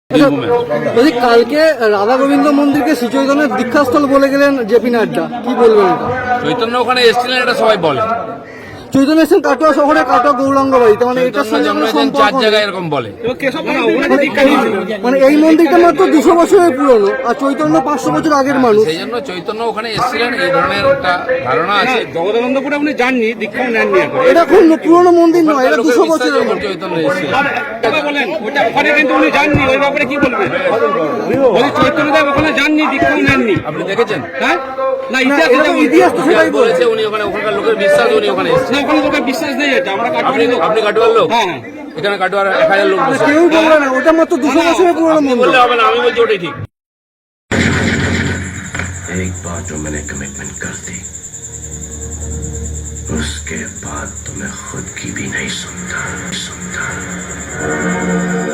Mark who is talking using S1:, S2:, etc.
S1: যদি কালকে রাধা গোবিন্দ মন্দিরকে শ্রী চৈতন্যের দীক্ষাস্থল বলে গেলেন জেপি নাড্ডা, কি বলবেন এটা?
S2: চৈতন্য ওখানে এসেছিলেন এটা সবাই বলে।
S1: চৈতন্য এসেছেন কাটোয়া শহরে, কাটোয়া গৌরাঙ্গ বাড়িতে, মানে এটার সঙ্গে কোনো সম্পর্ক
S2: চার
S1: নেই।
S2: জায়গায় এরকম বলে।
S1: মানে এই মন্দিরটা মাত্র 200 বছরের পুরনো, আর চৈতন্য 500 বছর আগের মানুষ।
S2: সেই জন্য চৈতন্য ওখানে এসেছিলেন, এই ধরনের একটা ধারণা আছে।
S3: জগদানন্দপুরে আপনি যাননি, দীক্ষাও নেননি এখন।
S1: এটা খুব পুরনো মন্দির নয়, এটা 200 বছরের মন্দির।
S2: চৈতন্য এসেছিলেন
S3: কথা বলেন, ওটা ওখানে কিন্তু উনি যাননি, ওই ব্যাপারে কি বলবেন? চৈতন্যদেব ওখানে যাননি, দীক্ষাও নেননি।
S2: আপনি দেখেছেন?
S3: হ্যাঁ, না
S1: ইতিহাস তো সেটাই বলছে।
S2: বলেছে উনি ওখানে, ওখানকার লোকের বিশ্বাস উনি ওখানে এসেছেন।
S3: না, ওখানে লোকের বিশ্বাস নেই এটা, আমরা কাটোয়ারি লোক।
S2: আপনি কাটোয়ার লোক?
S3: হ্যাঁ,
S2: এখানে কাটোয়ার 1000 লোক বসে।
S1: কেউ বলবে না, ওটা মাত্র 200 বছরের পুরনো
S2: আপনি
S1: মন্দির।
S2: বললে হবে না, আমি বলছি ওটাই ঠিক।
S4: एक बार जो मैंने कमिटमेंट कर दी, उसके बाद तो मैं खुद की भी नहीं सुनता।